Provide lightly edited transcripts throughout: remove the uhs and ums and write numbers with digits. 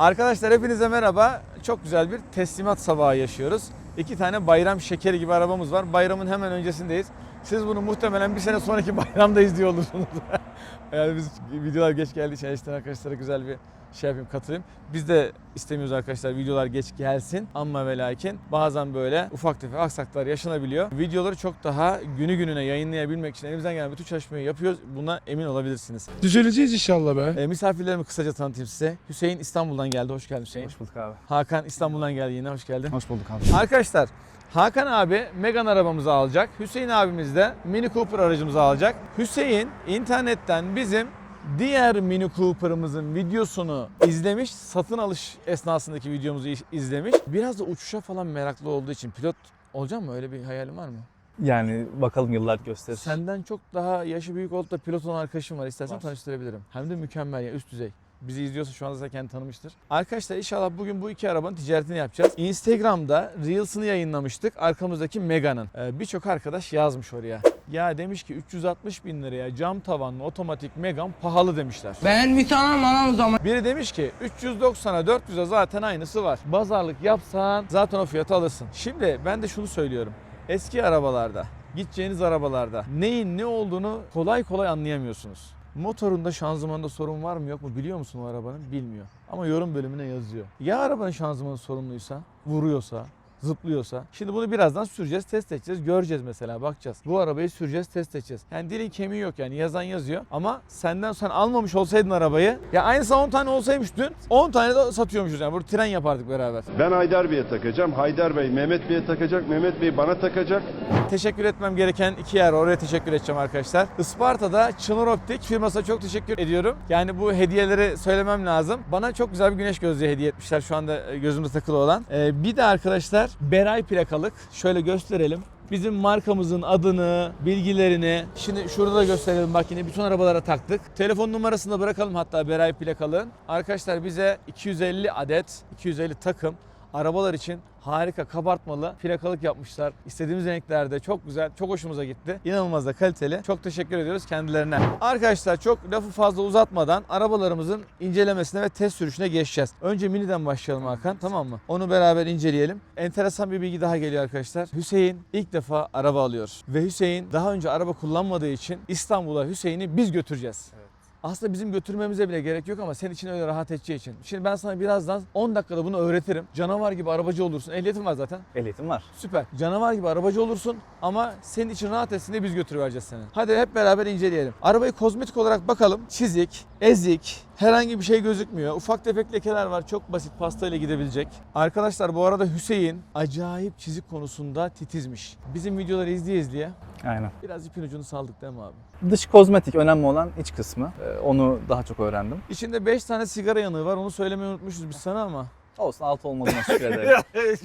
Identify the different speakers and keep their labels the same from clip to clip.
Speaker 1: Arkadaşlar hepinize merhaba. Çok güzel bir teslimat sabahı yaşıyoruz. 2 tane bayram şekeri gibi arabamız var. Bayramın hemen öncesindeyiz. Siz bunu muhtemelen bir sene sonraki bayramda izliyor olursunuz. Yani biz videolar geç geldiği için işte arkadaşlara güzel bir şey yapayım, katılayım. Biz de istemiyoruz arkadaşlar videolar geç gelsin ama ve lakin bazen böyle ufak tefek aksaklar yaşanabiliyor. Videoları çok daha günü gününe yayınlayabilmek için elimizden gelen bütün çalışmayı yapıyoruz. Buna emin olabilirsiniz.
Speaker 2: Düzeleceğiz inşallah be.
Speaker 1: Misafirlerimi kısaca tanıtayım size. Hüseyin İstanbul'dan geldi. Hoş geldin Hüseyin.
Speaker 3: Hoş bulduk abi.
Speaker 1: Hakan İstanbul'dan geldi yine. Hoş geldin.
Speaker 3: Hoş bulduk abi.
Speaker 1: Arkadaşlar Hakan abi Megane arabamızı alacak. Hüseyin abimiz de Mini Cooper aracımızı alacak. Hüseyin internetten bizim diğer Mini Cooper'ımızın videosunu izlemiş. Satın alış esnasındaki videomuzu izlemiş. Biraz da uçuşa falan meraklı olduğu için pilot olacak mı? Öyle bir hayalin var mı?
Speaker 3: Yani bakalım yıllar gösterir.
Speaker 1: Senden çok daha yaşı büyük olup da pilot olan arkadaşım var. İstersen
Speaker 3: Var.
Speaker 1: tanıştırabilirim. Hem de mükemmel ya, üst düzey. Bizi izliyorsa şu anda zaten kendini tanımıştır. Arkadaşlar inşallah bugün bu iki arabanın ticaretini yapacağız. Instagram'da Reels'ını yayınlamıştık. Arkamızdaki Megane'ın. Birçok arkadaş yazmış oraya. Ya demiş ki 360 bin liraya cam tavanlı otomatik Megane pahalı demişler.
Speaker 4: Ben bir tane anam o zaman.
Speaker 1: Biri demiş ki 390'a 400'e zaten aynısı var. Pazarlık yapsan zaten o fiyatı alırsın. Şimdi ben de şunu söylüyorum. Eski arabalarda, gideceğiniz arabalarda neyin ne olduğunu kolay kolay anlayamıyorsunuz. Motorunda, şanzımanda sorun var mı yok mu biliyor musun o arabanın? Bilmiyor. Ama yorum bölümüne yazıyor. Ya arabanın şanzımanı sorunluysa, vuruyorsa, zıplıyorsa. Şimdi bunu birazdan süreceğiz, test edeceğiz, göreceğiz mesela, bakacağız. Bu arabayı süreceğiz, test edeceğiz. Yani dilin kemiği yok yani, yazan yazıyor. Ama sen almamış olsaydın arabayı, ya aynısı 10 tane olsaymış dün, 10 tane de satıyormuşuz yani. Burada tren yapardık beraber.
Speaker 5: Ben Haydar Bey'e takacağım. Haydar Bey Mehmet Bey'e takacak. Mehmet Bey bana takacak.
Speaker 1: Teşekkür etmem gereken iki yer, oraya teşekkür edeceğim arkadaşlar. Isparta'da Çınar Optik firmasına çok teşekkür ediyorum. Yani bu hediyeleri söylemem lazım. Bana çok güzel bir güneş gözlüğü hediye etmişler, şu anda gözümde takılı olan. Bir de arkadaşlar Beray plakalık. Şöyle gösterelim. Bizim markamızın adını, bilgilerini, şimdi şurada da gösterelim, bak yine bütün arabalara taktık. Telefon numarasını da bırakalım hatta Beray plakalığın. Arkadaşlar bize 250 adet, 250 takım arabalar için harika kabartmalı plakalık yapmışlar. İstediğimiz renklerde, çok güzel, çok hoşumuza gitti. İnanılmaz da kaliteli. Çok teşekkür ediyoruz kendilerine. Arkadaşlar çok lafı fazla uzatmadan arabalarımızın incelemesine ve test sürüşüne geçeceğiz. Önce Mini'den başlayalım Hakan, tamam mı? Onu beraber inceleyelim. Enteresan bir bilgi daha geliyor arkadaşlar. Hüseyin ilk defa araba alıyor. Ve Hüseyin daha önce araba kullanmadığı için İstanbul'a Hüseyin'i biz götüreceğiz. Aslında bizim götürmemize bile gerek yok ama senin için öyle rahat edeceği için. Şimdi ben sana birazdan 10 dakikada bunu öğretirim. Canavar gibi arabacı olursun. Ehliyetin var zaten.
Speaker 3: Ehliyetim var.
Speaker 1: Süper. Canavar gibi arabacı olursun ama senin için rahat etsin diye biz götürüvereceğiz seni. Hadi hep beraber inceleyelim. Arabayı kozmetik olarak bakalım. Çizik, ezik, herhangi bir şey gözükmüyor. Ufak tefek lekeler var. Çok basit, pastayla gidebilecek. Arkadaşlar bu arada Hüseyin acayip çizik konusunda titizmiş. Bizim videoları izleye
Speaker 3: Aynen.
Speaker 1: biraz ipin ucunu saldık değil mi abi?
Speaker 3: Dış kozmetik önemli olan iç kısmı. Onu daha çok öğrendim.
Speaker 1: İçinde 5 tane sigara yanığı var. Onu söylemeyi unutmuşuz biz sana ama.
Speaker 3: Olsun, alt olmadığına şükür ederim.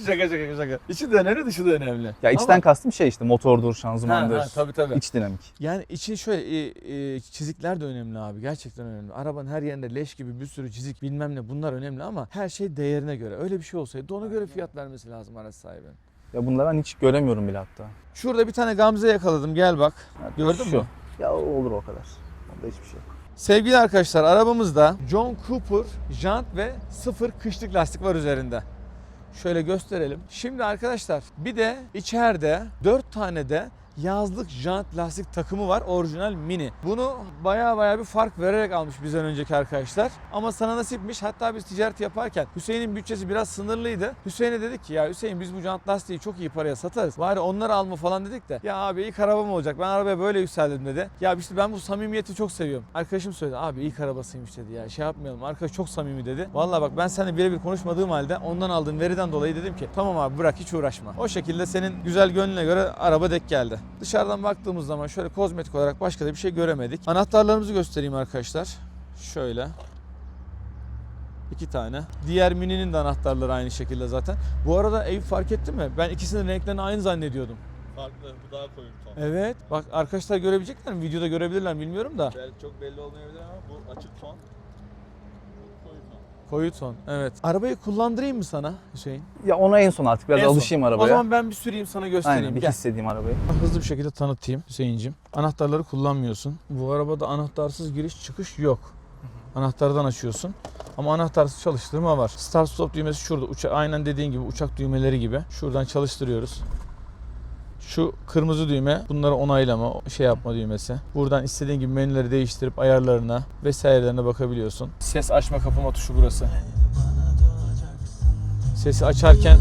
Speaker 1: şaka. İçi de önemli, dışı da önemli.
Speaker 3: Ya içten kastım şey işte motordur, şanzımandır.
Speaker 1: Tabii.
Speaker 3: İç dinamik.
Speaker 1: Yani için şöyle çizikler de önemli abi. Gerçekten önemli. Arabanın her yerinde leş gibi bir sürü çizik bilmem ne, bunlar önemli ama her şey değerine göre. Öyle bir şey olsaydı ona göre fiyat vermesi lazım araç sahibinin.
Speaker 3: Ya bunları ben hiç göremiyorum bile hatta.
Speaker 1: Şurada bir tane Gamze yakaladım, gel bak.
Speaker 3: Evet,
Speaker 1: Gördün
Speaker 3: şu.
Speaker 1: mü?
Speaker 3: Ya olur o kadar. Onda hiçbir şey yok.
Speaker 1: Sevgili arkadaşlar, arabamızda John Cooper jant ve 0 kışlık lastik var üzerinde. Şöyle gösterelim. Şimdi arkadaşlar bir de içeride 4 tane de yazlık jant lastik takımı var, orijinal Mini. Bunu baya bir fark vererek almış bizden önceki arkadaşlar. Ama sana nasipmiş. Hatta biz ticaret yaparken Hüseyin'in bütçesi biraz sınırlıydı. Hüseyin'e dedik ki ya Hüseyin biz bu jant lastiği çok iyi paraya satarız. Bari onları alma falan dedik de. Ya abi ilk arabam olacak. Ben arabaya böyle yükseldim dedi. Ya işte ben bu samimiyeti çok seviyorum. Arkadaşım söyledi. Abi ilk arabasıymış dedi ya. Şey yapmayalım. Arkadaş çok samimi dedi. Vallahi bak ben seninle birebir konuşmadığım halde ondan aldığım veriden dolayı dedim ki tamam abi bırak, hiç uğraşma. O şekilde senin güzel gönlüne göre araba denk geldi. Dışarıdan baktığımız zaman şöyle kozmetik olarak başka da bir şey göremedik. Anahtarlarımızı göstereyim arkadaşlar. Şöyle. 2 tane. Diğer Mini'nin de anahtarları aynı şekilde zaten. Bu arada Eyüp fark ettin mi? Ben ikisinin renklerini aynı zannediyordum.
Speaker 6: Farklı, bu daha koyu bir ton.
Speaker 1: Evet. Bak arkadaşlar görebilecekler mi? Videoda görebilirler mi bilmiyorum da.
Speaker 6: Çok belli olmayabilir ama bu açık ton. Bu koyu ton.
Speaker 1: Koyu ton. Evet. Arabayı kullandırayım mı sana Hüseyin?
Speaker 3: Ya ona en son artık biraz
Speaker 1: En son.
Speaker 3: alışayım arabaya.
Speaker 1: O zaman ben bir süreyim sana göstereyim.
Speaker 3: Aynen, bir
Speaker 1: Gel.
Speaker 3: hissedeyim arabayı.
Speaker 1: Hızlı bir şekilde tanıtayım Hüseyinciğim. Anahtarları kullanmıyorsun. Bu arabada anahtarsız giriş çıkış yok. Anahtardan açıyorsun. Ama anahtarsız çalıştırma var. Start stop düğmesi şurada. Aynen dediğin gibi uçak düğmeleri gibi. Şuradan çalıştırıyoruz. Şu kırmızı düğme bunları onaylama, şey yapma düğmesi. Buradan istediğin gibi menüleri değiştirip ayarlarına vesairelerine bakabiliyorsun. Ses açma kapama tuşu burası. Sesi açarken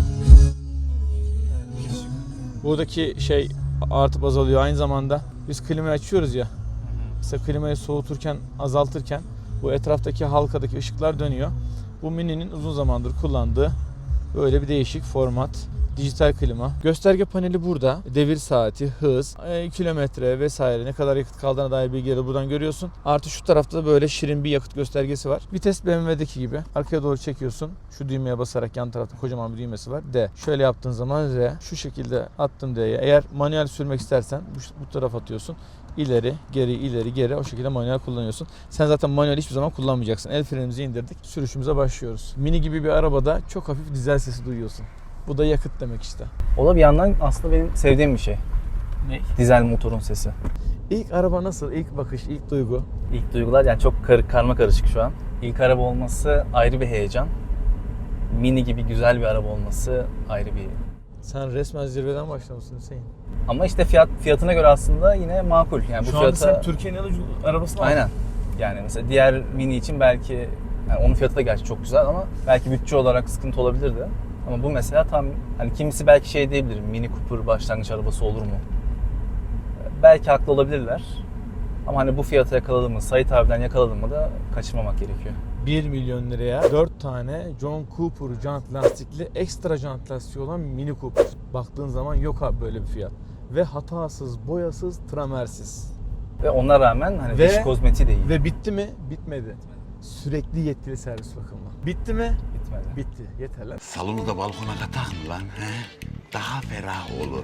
Speaker 1: buradaki şey artıp azalıyor. Aynı zamanda biz klimayı açıyoruz ya. Mesela klimayı soğuturken, azaltırken bu etraftaki halkadaki ışıklar dönüyor. Bu Mini'nin uzun zamandır kullandığı böyle bir değişik format. Dijital klima. Gösterge paneli burada. Devir saati, hız, kilometre vesaire ne kadar yakıt kaldığına dair bilgileri buradan görüyorsun. Artı şu tarafta da böyle şirin bir yakıt göstergesi var. Vites BMW'deki gibi. Arkaya doğru çekiyorsun. Şu düğmeye basarak yan tarafta kocaman bir düğmesi var. D. Şöyle yaptığın zaman R. Şu şekilde attım D'ye. Eğer manuel sürmek istersen bu tarafa atıyorsun. İleri, geri, ileri, geri o şekilde manuel kullanıyorsun. Sen zaten manuel hiçbir zaman kullanmayacaksın. El frenimizi indirdik. Sürüşümüze başlıyoruz. Mini gibi bir arabada çok hafif dizel sesi duyuyorsun. Bu da yakıt demek işte.
Speaker 3: O da bir yandan aslında benim sevdiğim bir şey.
Speaker 1: Ne?
Speaker 3: Dizel motorun sesi.
Speaker 1: İlk araba nasıl? İlk bakış, ilk duygu?
Speaker 3: İlk duygular yani çok karma karışık şu an. İlk araba olması ayrı bir heyecan. Mini gibi güzel bir araba olması ayrı bir.
Speaker 1: Sen resmen zirveden başlamışsın Hüseyin.
Speaker 3: Ama işte fiyatına göre aslında yine makul. Yani bu
Speaker 1: Şu anda
Speaker 3: fiyata
Speaker 1: sen Türkiye'nin en ucuz arabasını aldın.
Speaker 3: aynen. Yani mesela diğer Mini için belki yani onun fiyatı da gerçi çok güzel ama belki bütçe olarak sıkıntı olabilirdi. Ama bu mesela tam hani kimisi belki şey diyebilir. Mini Cooper başlangıç arabası olur mu? Belki haklı olabilirler. Ama hani bu fiyata yakaladın mı, Sait abiden yakaladın mı da kaçırmamak gerekiyor.
Speaker 1: 1 milyon liraya 4 tane John Cooper jant lastikli ekstra jant lastiği olan Mini Cooper. Baktığın zaman yok abi böyle bir fiyat. Ve hatasız, boyasız, tramersiz.
Speaker 3: Ve ona rağmen hani
Speaker 1: Ve-
Speaker 3: dış kozmetiği de iyi.
Speaker 1: Ve bitti mi? Bitmedi. Sürekli yetkili servis bakımı. Bitti mi?
Speaker 3: Bitmedi.
Speaker 1: Bitti. Yeter lan.
Speaker 2: Salonu da balkona katak mı lan? He? Daha ferah olur.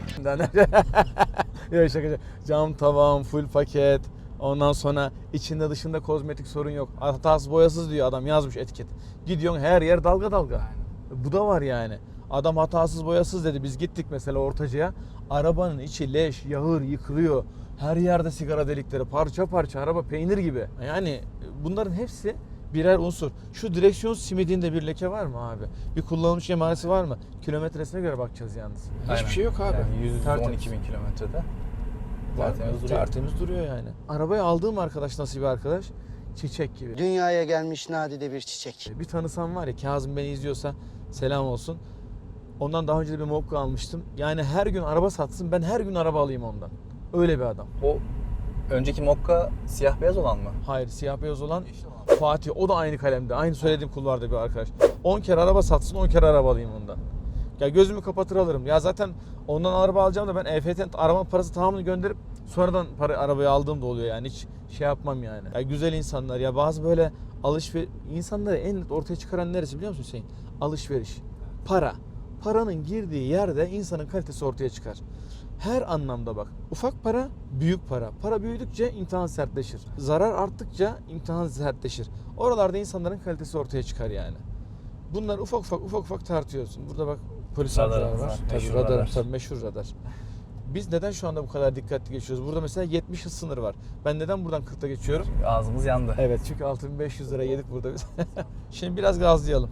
Speaker 1: Yok şaka. Cam tavan, full paket. Ondan sonra içinde dışında kozmetik sorun yok. Hatasız boyasız diyor adam yazmış etiket. Gidiyorsun her yer dalga dalga. Bu da var yani. Adam hatasız boyasız dedi. Biz gittik mesela Ortaca'ya. Arabanın içi leş, yağır, yıkılıyor. Her yerde sigara delikleri, parça parça araba peynir gibi. Yani bunların hepsi birer unsur. Şu direksiyon simidinde bir leke var mı abi? Bir kullanılmış emaresi var mı? Kilometresine göre bakacağız yalnız.
Speaker 3: Aynen.
Speaker 1: Hiçbir şey yok abi.
Speaker 3: Yani
Speaker 1: Tertemiz.
Speaker 3: 112 bin kilometrede.
Speaker 1: Var mı?
Speaker 3: Tertemiz duruyor.
Speaker 1: Tertemiz duruyor yani. Arabayı aldığım arkadaş nasıl bir arkadaş? Çiçek gibi.
Speaker 4: Dünyaya gelmiş nadide bir çiçek.
Speaker 1: Bir tanısam var ya, Kazım beni izliyorsa selam olsun. Ondan daha önce de bir Mokka almıştım. Yani her gün araba satsın, ben her gün araba alayım ondan. Öyle bir adam.
Speaker 3: O önceki Mokka siyah beyaz olan mı?
Speaker 1: Hayır, siyah beyaz olan Fatih. O da aynı kalemde. Aynı söylediğim kulvarda bir arkadaş. 10 kere araba satsın, 10 kere araba alayım ondan. Ya gözümü kapatır alırım. Ya zaten ondan araba alacağım da ben EFT'nin araba parası tamamını gönderip sonradan arabayı aldığım da oluyor yani. Hiç şey yapmam yani. Ya güzel insanlar ya, bazı böyle alışveriş insanları en net ortaya çıkaran neresi biliyor musun Hüseyin? Alışveriş. Para. Paranın girdiği yerde insanın kalitesi ortaya çıkar. Her anlamda bak. Ufak para, büyük para. Para büyüdükçe imtihan sertleşir. Zarar arttıkça imtihan sertleşir. Oralarda insanların kalitesi ortaya çıkar yani. Bunlar ufak ufak tartıyorsun. Burada bak polis amcalar
Speaker 3: Radarımız
Speaker 1: var.
Speaker 3: var.
Speaker 1: Tabii
Speaker 3: Meşhur
Speaker 1: radarım,
Speaker 3: radar.
Speaker 1: tabii meşhur radar. Biz neden şu anda bu kadar dikkatli geçiyoruz? Burada mesela 70 hız sınırı var. Ben neden buradan 40'ta geçiyorum?
Speaker 3: Ağzımız yandı.
Speaker 1: Evet, çünkü 6500 lira yedik burada biz. Şimdi biraz gazlayalım.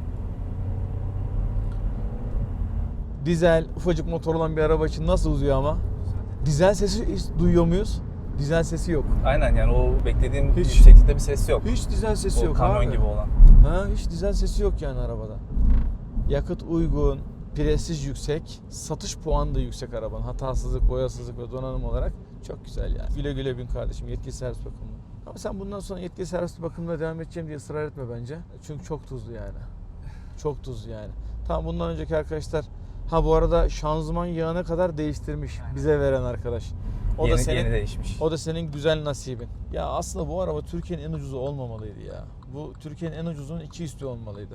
Speaker 1: Dizel, ufacık motor olan bir araba için nasıl uzuyor ama? Dizel sesi hiç duyuyor muyuz? Dizel sesi yok.
Speaker 3: Aynen yani o beklediğim
Speaker 1: Hiç.
Speaker 3: yükseklikte bir ses yok.
Speaker 1: Hiç dizel sesi
Speaker 3: O
Speaker 1: yok
Speaker 3: kamyon
Speaker 1: abi.
Speaker 3: gibi olan.
Speaker 1: Ha, hiç dizel sesi yok yani arabada. Yakıt uygun, prestij yüksek, satış puanı da yüksek arabanın. Hatasızlık, boyasızlık ve donanım olarak çok güzel yani. Güle güle bin kardeşim, yetkili servis bakımı. Ama sen bundan sonra yetkili servis bakımına devam edeceğim diye ısrar etme bence. Çünkü çok tuzlu yani. Çok tuzlu yani. Tamam, bundan önceki arkadaşlar, ha bu arada şanzıman yağına kadar değiştirmiş bize veren arkadaş. O da senin,
Speaker 3: Yeni değişmiş.
Speaker 1: o da senin güzel nasibin. Ya aslında bu araba Türkiye'nin en ucuzu olmamalıydı ya. Bu Türkiye'nin en ucuzunun 2 üstü olmalıydı.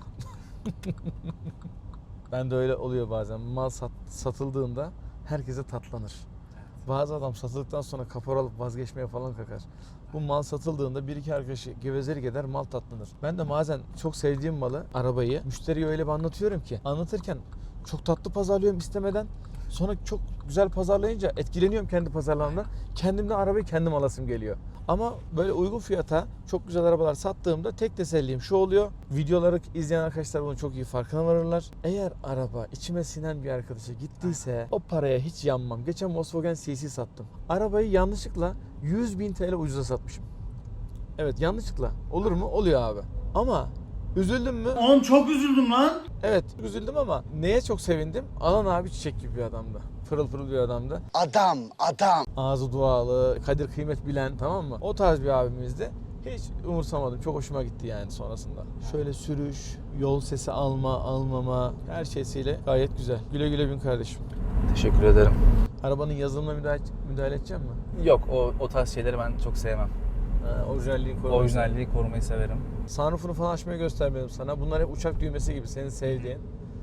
Speaker 1: Ben de öyle oluyor bazen. Mal satıldığında herkese tatlanır. Bazı adam satıldıktan sonra kapor alıp vazgeçmeye falan kalkar. Bu mal satıldığında bir iki arkadaşı gevezelik eder, mal tatlanır. Ben de bazen çok sevdiğim malı, arabayı müşteriye öyle bir anlatıyorum ki, anlatırken çok tatlı pazarlıyorum istemeden. Sonra çok güzel pazarlayınca etkileniyorum kendi pazarlamamdan. Kendimden arabayı kendim alasım geliyor. Ama böyle uygun fiyata çok güzel arabalar sattığımda tek tesellim şu oluyor. Videoları izleyen arkadaşlar bunun çok iyi farkına varırlar. Eğer araba içime sinen bir arkadaşa gittiyse o paraya hiç yanmam. Geçen Volkswagen CC sattım. Arabayı yanlışlıkla 100.000 TL ucuza satmışım. Evet, yanlışlıkla. Olur mu? Oluyor abi. Ama üzüldüm mü?
Speaker 7: Oğlum çok üzüldüm lan.
Speaker 1: Evet, üzüldüm ama neye çok sevindim? Alan abi çiçek gibi bir adamdı. Pırıl pırıl bir adamdı.
Speaker 4: Adam, adam.
Speaker 1: Ağzı dualı, kadir kıymet bilen, tamam mı? O tarz bir abimizdi. Hiç umursamadım. Çok hoşuma gitti yani sonrasında. Şöyle sürüş, yol sesi almama, her şeysiyle gayet güzel. Güle güle bin kardeşim.
Speaker 3: Teşekkür ederim.
Speaker 1: Arabanın yazılımına müdahale edeceğim mi?
Speaker 3: Yok, o tarz şeyleri ben çok sevmem.
Speaker 1: Orijinalliği korumayı.
Speaker 3: Orijinalliği korumayı severim.
Speaker 1: Sunroof'unu falan açmayı göstermedim sana. Bunlar hep uçak düğmesi gibi senin sevdiğin.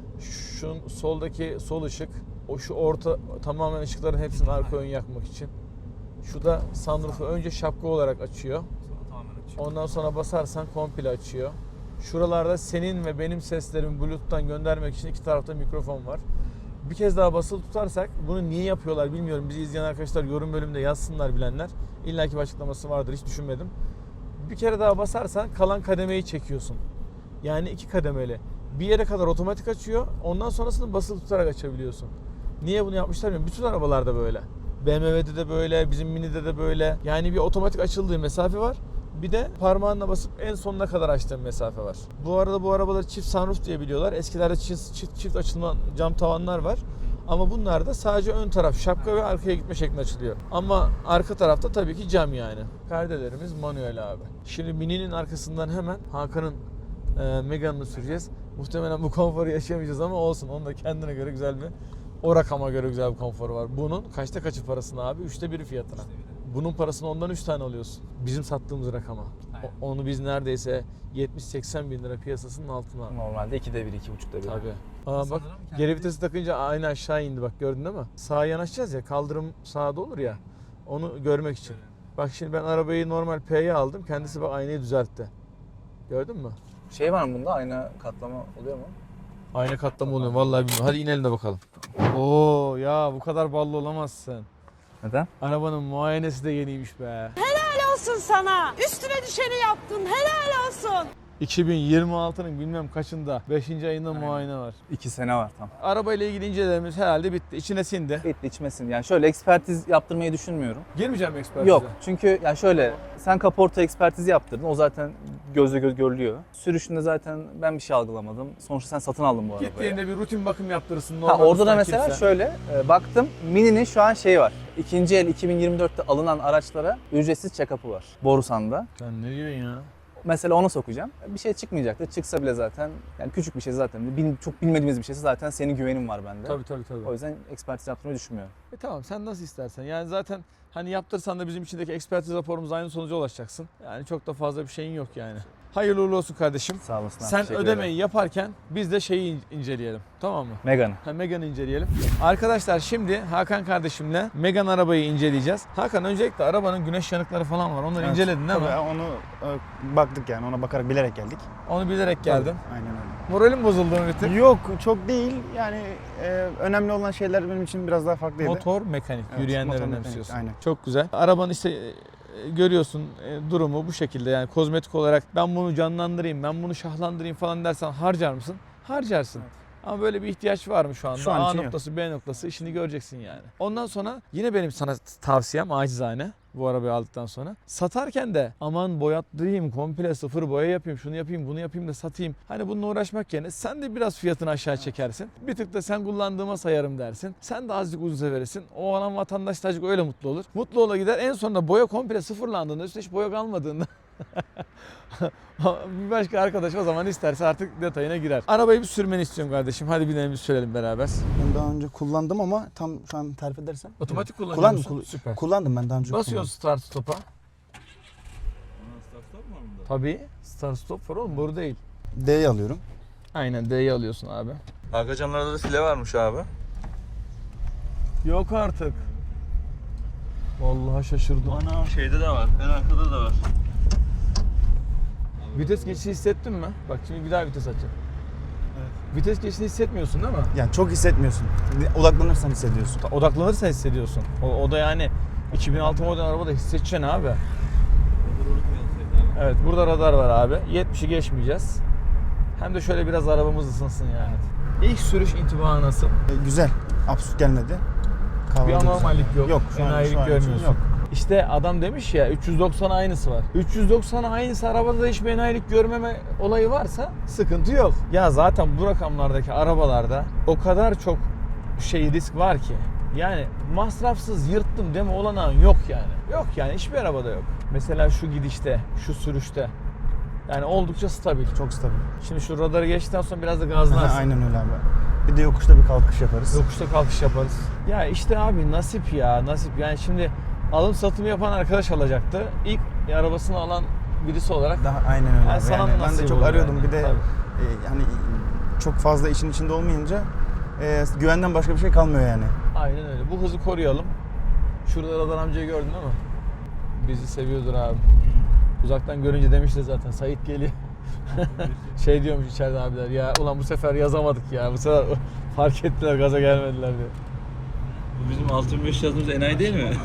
Speaker 1: Şu soldaki sol ışık, o şu orta tamamen ışıkların hepsini arka ön yakmak için. Şu da sunroof'u önce şapka olarak açıyor. Ondan sonra basarsan komple açıyor. Şuralarda senin ve benim seslerimi Bluetooth'tan göndermek için iki tarafta mikrofon var. Bir kez daha basılı tutarsak, bunu niye yapıyorlar bilmiyorum. Bizi izleyen arkadaşlar yorum bölümünde yazsınlar bilenler. İlla ki bir açıklaması vardır, hiç düşünmedim. Bir kere daha basarsan kalan kademeyi çekiyorsun. Yani 2 kademeli. Bir yere kadar otomatik açıyor. Ondan sonrasını basılı tutarak açabiliyorsun. Niye bunu yapmışlar bilmiyorum. Bütün arabalarda böyle. BMW'de de böyle, bizim Mini'de de böyle. Yani bir otomatik açıldığı mesafe var. Bir de parmağınla basıp en sonuna kadar açtığın mesafe var. Bu arada bu arabaları çift sunroof diye biliyorlar. Eskilerde çift açılma cam tavanlar var. Ama bunlar da sadece ön taraf şapka ve arkaya gitme şeklinde açılıyor. Ama arka tarafta tabii ki cam yani. Perdelerimiz manuel abi. Şimdi Mini'nin arkasından hemen Hakan'ın Megane'ını süreceğiz. Muhtemelen bu konforu yaşayamayacağız ama olsun. Onun da kendine göre güzel bir, o rakama göre güzel bir konforu var. Bunun kaçta kaçı parasına abi? 1/3 fiyatına. Bunun parasını ondan 3 tane alıyorsun. Bizim sattığımız rakama. Onu biz neredeyse 70-80 bin lira piyasasının altına.
Speaker 3: Normalde 2'de 1, 2,5'da 1.
Speaker 1: Tabii. Aa bak, geri vitesi takınca aynı aşağı indi, bak gördün değil mi? Sağa yanaşacağız ya, kaldırım sağda olur ya. Onu görmek için. Bak şimdi ben arabayı normal P'ye aldım. Kendisi bak aynayı düzeltti. Gördün mü?
Speaker 3: Şey var mı bunda? Ayna katlama oluyor mu?
Speaker 1: Ayna katlama oluyor vallahi bilmiyorum. Hadi inelim de bakalım. Oo ya, bu kadar ballı olamazsın.
Speaker 3: Neden?
Speaker 1: Arabanın muayenesi de yeniymiş be.
Speaker 8: Olsun sana. Üstüne düşeni yaptın. Helal olsun.
Speaker 1: 2026'nın bilmem kaçında 5. ayında muayene var.
Speaker 3: 2 sene var tam.
Speaker 1: Arabayla ilgili incelememiz herhalde bitti. İçine sindi.
Speaker 3: Bitti, içmesin. Yani şöyle ekspertiz yaptırmayı düşünmüyorum.
Speaker 1: Girmeyeceğim ekspertize.
Speaker 3: Yok, çünkü yani şöyle sen kaporta ekspertizi yaptırdın. O zaten gözle göz görülüyor. Sürüşünde zaten ben bir şey algılamadım. Sonuçta sen satın aldın bu arabayı.
Speaker 1: Gittiğinde bir rutin bakım yaptırırsın.
Speaker 3: Ha, orada da
Speaker 1: ustan
Speaker 3: mesela
Speaker 1: kimse.
Speaker 3: şöyle baktım, Mini'nin şu an şeyi var. İkinci el 2024'te alınan araçlara ücretsiz check-up'ı var. Borusan'da.
Speaker 1: Sen ne diyorsun ya?
Speaker 3: Mesela ona sokacağım. Bir şey çıkmayacaktır. Çıksa bile zaten yani küçük bir şey zaten. Çok bilmediğimiz bir şeyse zaten senin güvenin var bende.
Speaker 1: Tabii.
Speaker 3: O yüzden ekspertiz yaptırmayı düşünmüyorum.
Speaker 1: Tamam, sen nasıl istersen. Yani zaten hani yaptırsan da bizim içindeki ekspertiz raporumuz aynı sonuca ulaşacaksın. Yani çok da fazla bir şeyin yok yani. Hayırlı uğurlu olsun kardeşim.
Speaker 3: Sağ olasın.
Speaker 1: Sen
Speaker 3: teşekkür
Speaker 1: ödemeyi
Speaker 3: ederim.
Speaker 1: yaparken biz de şeyi inceleyelim. Tamam mı?
Speaker 3: Megane.
Speaker 1: Megane'ı inceleyelim. Arkadaşlar şimdi Hakan kardeşimle Megane arabayı inceleyeceğiz. Hakan, öncelikle arabanın güneş yanıkları falan var. Onları inceledin değil mi?
Speaker 7: Tabii onu baktık yani, ona bakarak bilerek geldik.
Speaker 1: Onu bilerek geldim.
Speaker 7: Aynen öyle.
Speaker 1: Moralim bozuldu mu bir tık?
Speaker 7: Yok, çok değil yani, önemli olan şeyler benim için biraz daha farklıydı.
Speaker 1: Motor mekanik,
Speaker 7: Evet,
Speaker 1: yürüyenleri
Speaker 7: motor mekanik,
Speaker 1: önemsiyorsun.
Speaker 7: aynen.
Speaker 1: Çok güzel. Arabanın işte görüyorsun durumu bu şekilde, yani kozmetik olarak ben bunu canlandırayım, ben bunu şahlandırayım falan dersen harcar mısın? Harcarsın. Ama böyle bir ihtiyaç var mı şu anda?
Speaker 7: Şu an
Speaker 1: A
Speaker 7: için yok.
Speaker 1: noktası, B noktası, işini göreceksin yani. Ondan sonra yine benim sana tavsiyem acizane bu arabayı aldıktan sonra. Satarken de aman boyattırayım, komple sıfır boya yapayım, şunu yapayım, bunu yapayım da satayım. Hani bununla uğraşmak yerine sen de biraz fiyatını aşağı çekersin. Bir tık da sen kullandığıma sayarım dersin. Sen de azıcık ucuza verirsin. O alan vatandaş da azıcık öyle mutlu olur. Mutlu ola gider. En sonunda boya komple sıfırlandığında, üstüne hiç boya kalmadığında bir başka arkadaş o zaman isterse artık detayına girer. Arabayı bir sürmeni istiyorum kardeşim. Hadi binelim, bir sürelim beraber.
Speaker 9: Ben daha önce kullandım ama tam şu an tarif edersen.
Speaker 1: Otomatik kullanıyor
Speaker 9: Kullandım.
Speaker 1: musun? Süper.
Speaker 9: Kullandım ben daha önce.
Speaker 1: Basıyorsun start stop'a.
Speaker 6: Start stop mu var bunda?
Speaker 1: Tabii. Start stop var oğlum, boru değil.
Speaker 9: D'yi alıyorum.
Speaker 1: Aynen, D'yi alıyorsun abi.
Speaker 6: Arka camlarda da file varmış abi.
Speaker 1: Yok artık. Vallahi şaşırdım.
Speaker 6: Ana şeyde de var. En arkada da var.
Speaker 1: Vites geçişi hissettin mi? Bak şimdi bir daha vites açacağım. Evet. Vites geçişini hissetmiyorsun değil mi?
Speaker 9: Yani çok hissetmiyorsun. Odaklanırsan hissediyorsun.
Speaker 1: Odaklanırsa hissediyorsun. O da yani 2006 model arabada hissedeceksin abi. Evet, burada radar var abi. 70'i geçmeyeceğiz. Hem de şöyle biraz arabamız ısınsın yani. İlk sürüş intibağı nasıl?
Speaker 9: Güzel. Absürt gelmedi.
Speaker 1: Bir
Speaker 9: Kavradı
Speaker 1: anormallik
Speaker 9: güzel.
Speaker 1: yok.
Speaker 9: Yok. Şu an
Speaker 1: Enayilik
Speaker 9: için
Speaker 1: görmüyorsun.
Speaker 9: yok.
Speaker 1: İşte adam demiş ya 390 aynısı var. 390 aynısı arabada da hiçbir enayilik görmeme olayı varsa sıkıntı yok. Ya zaten bu rakamlardaki arabalarda o kadar çok risk var ki. Yani masrafsız yırttım deme olanağın yok yani. Yok yani hiçbir arabada yok. Mesela şu gidişte, şu sürüşte. Yani oldukça stabil.
Speaker 9: Çok stabil.
Speaker 1: Şimdi şu radarı geçtikten sonra biraz da gazlarsın.
Speaker 9: Aynen öyle abi. Bir de yokuşta bir kalkış yaparız.
Speaker 1: Yokuşta kalkış yaparız. Ya işte abi nasip ya nasip. Yani şimdi alım satımı yapan arkadaş alacaktı. İlk arabasını alan birisi olarak
Speaker 9: Daha aynen öyle.
Speaker 1: Yani
Speaker 9: abi.
Speaker 1: sana
Speaker 9: Ben
Speaker 1: nasip
Speaker 9: de çok
Speaker 1: olur
Speaker 9: arıyordum.
Speaker 1: yani.
Speaker 9: Bir de
Speaker 1: Tabii.
Speaker 9: yani çok fazla işin içinde olmayınca güvenden başka bir şey kalmıyor yani.
Speaker 1: aynen öyle. Bu hızı koruyalım. Şurada Radar amcayı gördün ama bizi seviyordur abi. Uzaktan görünce demişti zaten Sait geliyor. Şey diyormuş içeride abiler ya ulan bu sefer yazamadık ya. Bu sefer fark ettiler gaza gelmediler diyor.
Speaker 6: Bu bizim 6500 yazdığımız enayi değil mi?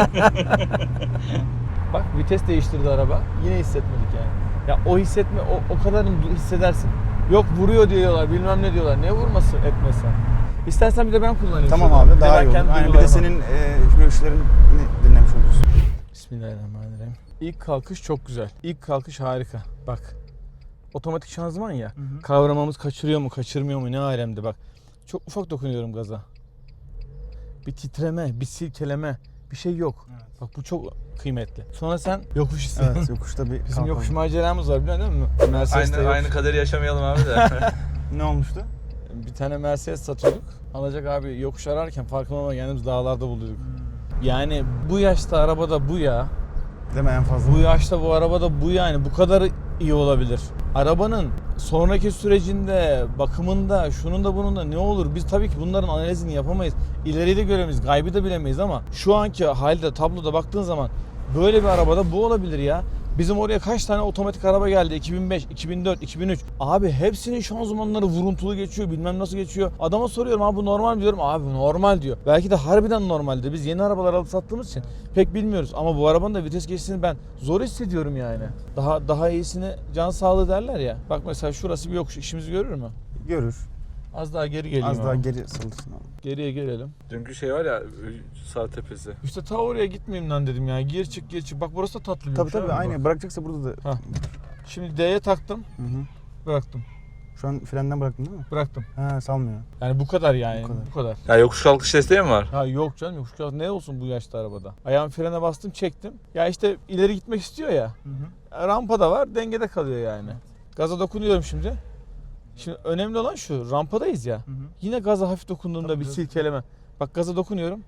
Speaker 1: Bak vites değiştirdi araba. Yine hissetmedik yani. Ya o hissetme o kadarını hissedersin. Yok vuruyor diyorlar bilmem ne diyorlar. Ne vurması etmesi. İstersen bir de ben kullanayım.
Speaker 9: Tamam
Speaker 1: şuradan.
Speaker 9: abi daha iyi olur.
Speaker 1: kendi
Speaker 9: Aynen, bir de
Speaker 1: duygularıma.
Speaker 9: senin görüşlerini dinlemiş olursun.
Speaker 1: Bismillahirrahmanirrahim. İlk kalkış çok güzel. İlk kalkış harika. Bak. Otomatik şanzıman ya. Kavramamız kaçırıyor mu, kaçırmıyor mu ne alemde bak. Çok ufak dokunuyorum gaza. Bir titreme, bir silkeleme, bir şey yok.
Speaker 9: Evet.
Speaker 1: Bak bu çok kıymetli. Sonra sen yokuş hissediyorsun.
Speaker 9: Evet yokuşta bir
Speaker 1: Bizim
Speaker 9: kalkalım.
Speaker 1: yokuş maceramız var biliyor musun? Mercedes'te yokuş.
Speaker 6: Aynı kaderi yaşamayalım abi de.
Speaker 9: Ne olmuştu?
Speaker 1: Bir tane Mercedes satıyorduk. Alacak abi yokuş ararken farkında olmadan kendimizi dağlarda buluyorduk. Yani bu yaşta arabada bu ya.
Speaker 9: Değil mi en fazla?
Speaker 1: Bu yaşta bu arabada bu yani bu kadar iyi olabilir. Arabanın sonraki sürecinde, bakımında, şunun da bunun da ne olur? Biz tabii ki bunların analizini yapamayız. İleriyi de göremeyiz, gaybı da bilemeyiz ama şu anki halde, tabloda baktığın zaman böyle bir arabada bu olabilir ya. Bizim oraya kaç tane otomatik araba geldi? 2005, 2004, 2003. Abi hepsinin şanzımanları vuruntulu geçiyor, bilmem nasıl geçiyor. Adama soruyorum abi bu normal mi diyorum. Abi normal diyor. Belki de harbiden normaldir. Biz yeni arabalar alıp sattığımız için pek bilmiyoruz. Ama bu arabanın da vites geçişini ben zor hissediyorum yani. Daha iyisini can sağlığı derler ya. Bak mesela şurası bir yokuş. İşimizi görür mü?
Speaker 9: Görür.
Speaker 1: Az daha geri geleyim
Speaker 9: Az
Speaker 1: abi.
Speaker 9: daha geri salırsın abi.
Speaker 1: Geriye gelelim.
Speaker 6: Dünkü şey var ya sağ tepesi.
Speaker 1: İşte ta oraya gitmeyeyim lan dedim ya. Gir çık gir çık. Bak burası da tatlı bir
Speaker 9: Tabii
Speaker 1: yokuş
Speaker 9: tabii
Speaker 1: abi,
Speaker 9: aynı.
Speaker 1: bak.
Speaker 9: Bırakacaksa burada da.
Speaker 1: Ha. Şimdi D'ye taktım.
Speaker 9: Hı hı.
Speaker 1: Bıraktım.
Speaker 9: Şu an frenden bıraktın değil mi?
Speaker 1: Bıraktım.
Speaker 9: Ha salmıyor.
Speaker 1: Yani bu kadar yani.
Speaker 9: Bu kadar.
Speaker 1: Bu kadar.
Speaker 6: Ya yokuş kalkış desteği mi var?
Speaker 1: Ha yok canım yokuş kalkış ne olsun bu yaşta arabada. Ayağım frene bastım çektim. Ya işte ileri gitmek istiyor ya. Rampa da var dengede kalıyor yani. Gaza dokunuyorum şimdi. Şimdi önemli olan şu rampadayız ya. Yine gaza hafif dokunduğumda bir silkeleme. Bak gaza dokunuyorum.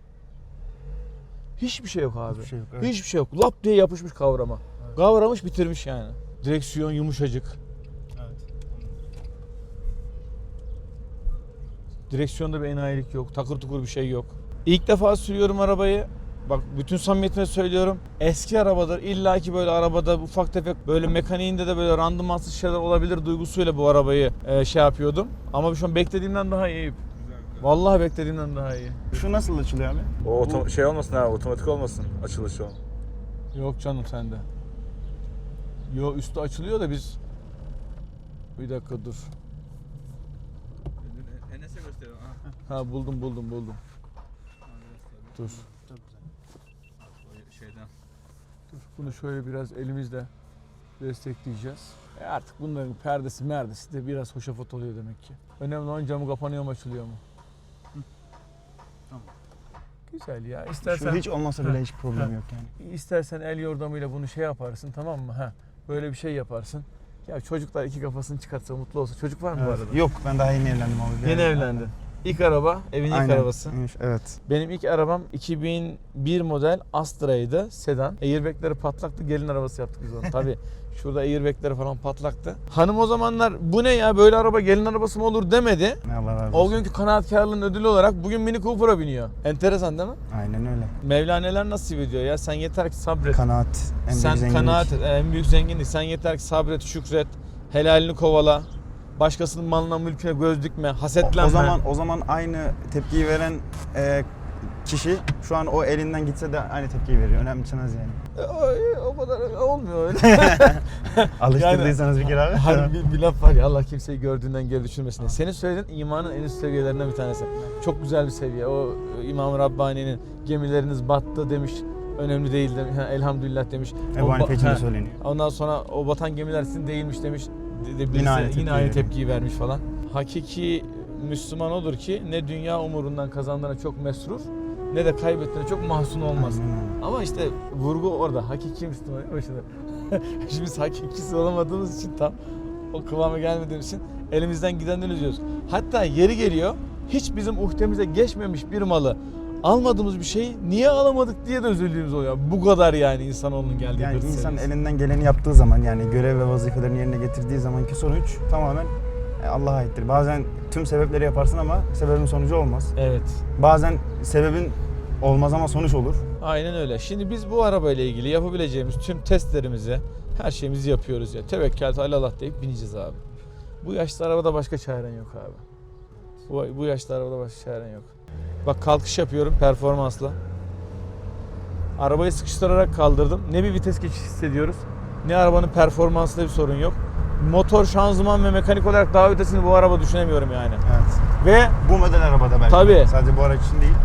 Speaker 1: Hiçbir şey yok abi.
Speaker 9: Hiçbir şey yok, evet.
Speaker 1: Hiçbir şey yok. Lap diye yapışmış kavrama. Kavramış bitirmiş yani. Direksiyon yumuşacık. Direksiyonda bir enayilik yok. Takır tukur bir şey yok. İlk defa sürüyorum arabayı. Bak bütün samimiyetimle söylüyorum. Eski arabadır. İlla ki böyle arabada ufak tefek böyle mekaniğinde de böyle randımansız şeyler olabilir duygusuyla bu arabayı şey yapıyordum. Ama şu an beklediğimden daha iyi. Vallahi beklediğimden daha iyi.
Speaker 9: Şu nasıl açılıyor abi?
Speaker 6: O şey olmasın ha, otomatik olmasın açılışı o.
Speaker 1: Yok canım sende. Yo üstü açılıyor da biz... Bir dakika dur.
Speaker 6: Enes'e gösteriyorum.
Speaker 1: Ha buldum. Dur.
Speaker 6: Şeyden.
Speaker 1: Dur. Bunu şöyle biraz elimizle destekleyeceğiz. Artık bunların perdesi merdesi de biraz hoşafat oluyor demek ki. Önemli olan camı kapanıyor mu açılıyor mu?
Speaker 9: Tamam.
Speaker 1: Güzel ya.
Speaker 9: Şu
Speaker 1: İstersen
Speaker 9: hiç olmasa bile hiç problem yok yani.
Speaker 1: istersen el yordamıyla bunu şey yaparsın tamam mı? Ha. Böyle bir şey yaparsın. Ya çocuklar iki kafasını çıkartsa mutlu olsa. Çocuk var mı bu
Speaker 9: Evet.
Speaker 1: arada?
Speaker 9: Yok ben daha yeni evlendim abi.
Speaker 1: Yeni evlendin. İlk araba, evin ilk
Speaker 9: Aynen.
Speaker 1: arabası.
Speaker 9: Evet.
Speaker 1: Benim ilk arabam 2001 model Astra'ydı, sedan. Airbag'leri patlaktı, gelin arabası yaptık biz onu. Tabii şurada airbag'leri falan patlaktı. Hanım o zamanlar bu ne ya böyle araba gelin arabası mı olur demedi.
Speaker 9: Allah razı
Speaker 1: O
Speaker 9: olsun.
Speaker 1: günkü kanaatkarlığın ödülü olarak bugün Mini Cooper'a biniyor. Enteresan değil mi?
Speaker 9: Aynen öyle.
Speaker 1: Mevla neler nasip ediyor ya sen yeter ki sabret.
Speaker 9: Kanaat. En büyük
Speaker 1: Sen
Speaker 9: zenginlik.
Speaker 1: kanaat et, en büyük zenginlik. Sen yeter ki sabret, şükret, helalini kovala. Başkasının malına mülküne göz dikme, hasetlenme.
Speaker 9: O zaman aynı tepkiyi veren kişi şu an o elinden gitse de aynı tepkiyi veriyor. Önemsemez yani.
Speaker 1: O kadar olmuyor öyle.
Speaker 9: Alıştırdıysanız bir kere abi.
Speaker 1: Hani bir laf var ya, Allah kimseyi gördüğünden geri düşürmesin diye. Senin söylediğin imanın en üst seviyelerinden bir tanesi. Çok güzel bir seviye. O İmam-ı Rabbani'nin gemileriniz battı demiş. Önemli değil demiş. Elhamdülillah demiş.
Speaker 9: Ebu Hanife için de
Speaker 1: Ha.
Speaker 9: söyleniyor.
Speaker 1: Ondan sonra o batan gemiler sizin değilmiş demiş.
Speaker 9: Yine aynı
Speaker 1: tepkiyi vermiş falan. Hakiki Müslüman odur ki ne dünya umurundan kazandığına çok mesrur ne de kaybettiğine çok mahzun olmaz. Ama işte vurgu orada. Hakiki Müslüman. Şimdi biz hakikisi olamadığımız için tam o kıvama gelmediğimiz için elimizden gidenden üzüyoruz. Hatta yeri geliyor hiç bizim uhdemize geçmemiş bir malı almadığımız bir şeyi niye alamadık diye de üzüldüğümüz oluyor. Bu kadar yani insanoğlunun geldiği
Speaker 9: Yani
Speaker 1: bir
Speaker 9: insan
Speaker 1: seviyesi.
Speaker 9: elinden geleni yaptığı zaman yani görev ve vazifelerini yerine getirdiği zamanki sonuç tamamen Allah'a aittir. Bazen tüm sebepleri yaparsın ama sebebin sonucu olmaz.
Speaker 1: Evet.
Speaker 9: Bazen sebebin olmaz ama sonuç olur.
Speaker 1: Aynen öyle. Şimdi biz bu arabayla ilgili yapabileceğimiz tüm testlerimizi, her şeyimizi yapıyoruz ya. Tevekkel alallah deyip bineceğiz abi. Bu yaşlı arabada başka çaren yok abi. Bu yaşlı arabada başka çaren yok. Bak kalkış yapıyorum performansla. Arabayı sıkıştırarak kaldırdım. Ne bir vites geçişi hissediyoruz, ne arabanın performansında bir sorun yok. Motor, şanzıman ve mekanik olarak daha ötesini bu araba düşünemiyorum yani.
Speaker 9: Evet.
Speaker 1: Ve
Speaker 9: Bu model arabada belki.
Speaker 1: Tabii.
Speaker 9: Sadece bu araç için değil.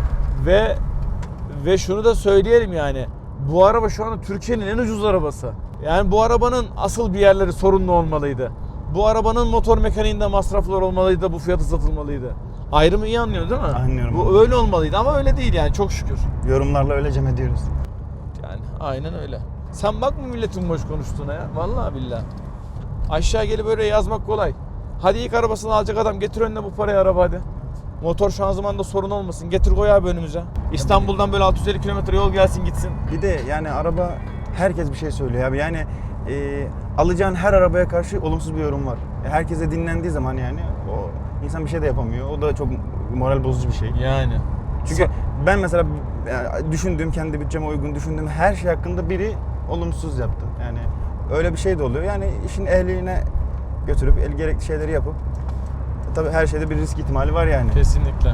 Speaker 1: Ve şunu da söyleyelim yani. Bu araba şu anda Türkiye'nin en ucuz arabası. Yani bu arabanın asıl bir yerleri sorunlu olmalıydı. Bu arabanın motor mekaniğinde masraflar olmalıydı da bu fiyatı satılmalıydı. Ayrımı iyi anlıyorsun değil mi?
Speaker 9: Anlıyorum.
Speaker 1: Bu öyle olmalıydı ama öyle değil yani, çok şükür.
Speaker 9: Yorumlarla öyle cem ediyoruz.
Speaker 1: Yani aynen öyle. Sen bakma milletin boş konuştuğuna ya. Vallahi billahi. Aşağı gelip böyle yazmak kolay. Hadi ilk arabasını alacak adam getir önüne bu parayı araba hadi. Motor şanzımanda sorun olmasın. Getir koy abi önümüze. İstanbul'dan böyle 650 kilometre yol gelsin gitsin.
Speaker 9: Bir de yani araba herkes bir şey söylüyor abi. Yani alacağın her arabaya karşı olumsuz bir yorum var. Herkese dinlendiği zaman yani o insan bir şey de yapamıyor. O da çok moral bozucu bir şey.
Speaker 1: Yani.
Speaker 9: Çünkü ben mesela düşündüğüm, kendi bütçeme uygun düşündüğüm her şey hakkında biri olumsuz yaptı. Yani öyle bir şey de oluyor. Yani işin ehliline götürüp gerekli şeyleri yapıp tabii her şeyde bir risk ihtimali var yani.
Speaker 1: Kesinlikle.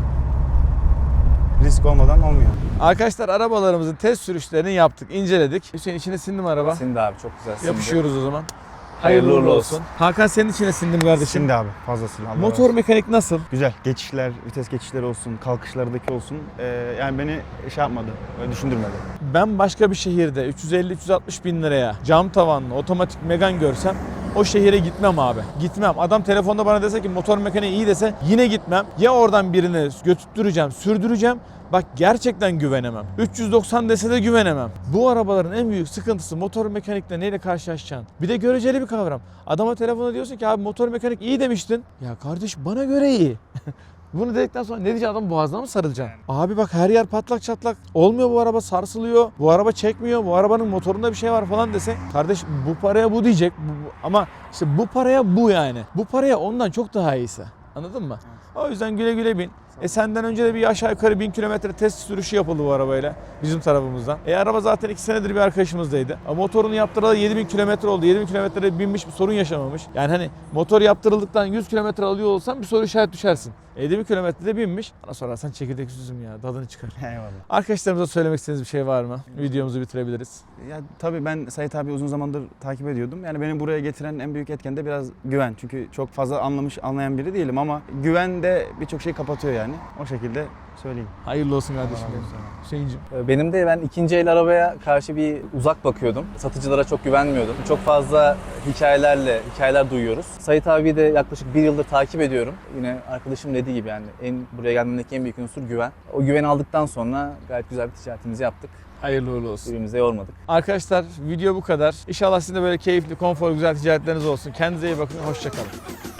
Speaker 9: Risk olmadan olmuyor.
Speaker 1: Arkadaşlar arabalarımızın test sürüşlerini yaptık, inceledik. Hüseyin içine sindi mi araba?
Speaker 3: Sindi abi, çok güzel sindi.
Speaker 1: Yapışıyoruz o zaman.
Speaker 3: Hayırlı uğurlu olsun.
Speaker 1: Hakan senin içine sindim kardeşim.
Speaker 9: Şimdi abi fazlasıyla. Allah razı
Speaker 1: Motor
Speaker 9: olsun.
Speaker 1: mekanik nasıl?
Speaker 9: Güzel. Geçişler, vites geçişleri olsun, kalkışlardaki olsun. Yani beni şey yapmadı, düşündürmedi.
Speaker 1: Ben başka bir şehirde 350-360 bin liraya cam tavanlı otomatik Megane görsem o şehire gitmem abi. Gitmem. Adam telefonda bana dese ki motor mekaniği iyi dese yine gitmem. Ya oradan birini götürtüreceğim, sürdüreceğim. Bak gerçekten güvenemem. 390 dese de güvenemem. Bu arabaların en büyük sıkıntısı motor mekanikle neyle karşılaşacaksın? Bir de göreceli bir kavram. Adama telefonda diyorsun ki abi motor mekanik iyi demiştin. Ya kardeş bana göre iyi. Bunu dedikten sonra ne diyeceksin, adam boğazına mı sarılacaksın? Abi bak her yer patlak çatlak. Olmuyor, bu araba sarsılıyor. Bu araba çekmiyor. Bu arabanın motorunda bir şey var falan dese. Kardeş bu paraya bu diyecek. Ama işte bu paraya bu yani. Bu paraya ondan çok daha iyisi. Anladın mı? O yüzden güle güle bin. Senden önce de bir aşağı yukarı 1000 kilometre test sürüşü yapıldı bu arabayla bizim tarafımızdan. Araba zaten 2 senedir bir arkadaşımızdaydı. Motorunu yaptıralı 7000 kilometre oldu. 7000 kilometrede binmiş, bir sorun yaşamamış. Yani hani motor yaptırıldıktan 100 kilometre alıyor olsan bir soru işaret düşersin. 7000 kilometrede binmiş. Bana sorarsan çekirdek üzüm ya, tadını çıkar.
Speaker 9: Eyvallah.
Speaker 1: Arkadaşlarımıza söylemek istediğiniz bir şey var mı? Videomuzu bitirebiliriz.
Speaker 9: Ya tabii ben Sait abi uzun zamandır takip ediyordum. Yani beni buraya getiren en büyük etken de biraz güven. Çünkü çok fazla anlayan biri değilim ama güven de birçok şeyi kapatıyor yani. O şekilde söyleyeyim.
Speaker 1: Hayırlı olsun kardeşim. Hüseyin'cim.
Speaker 3: Benim de ben ikinci el arabaya karşı bir uzak bakıyordum. Satıcılara çok güvenmiyordum. Çok fazla hikayeler duyuyoruz. Sait abi de yaklaşık 1 yıldır takip ediyorum. Yine arkadaşım dediği gibi yani buraya gelmemdeki en büyük unsur güven. O güveni aldıktan sonra gayet güzel bir ticaretimizi yaptık.
Speaker 1: Hayırlı uğurlu olsun.
Speaker 3: Birbirimize yormadık.
Speaker 1: Arkadaşlar video bu kadar. İnşallah sizin de böyle keyifli, konforlu, güzel ticaretleriniz olsun. Kendinize iyi bakın. Hoşça kalın.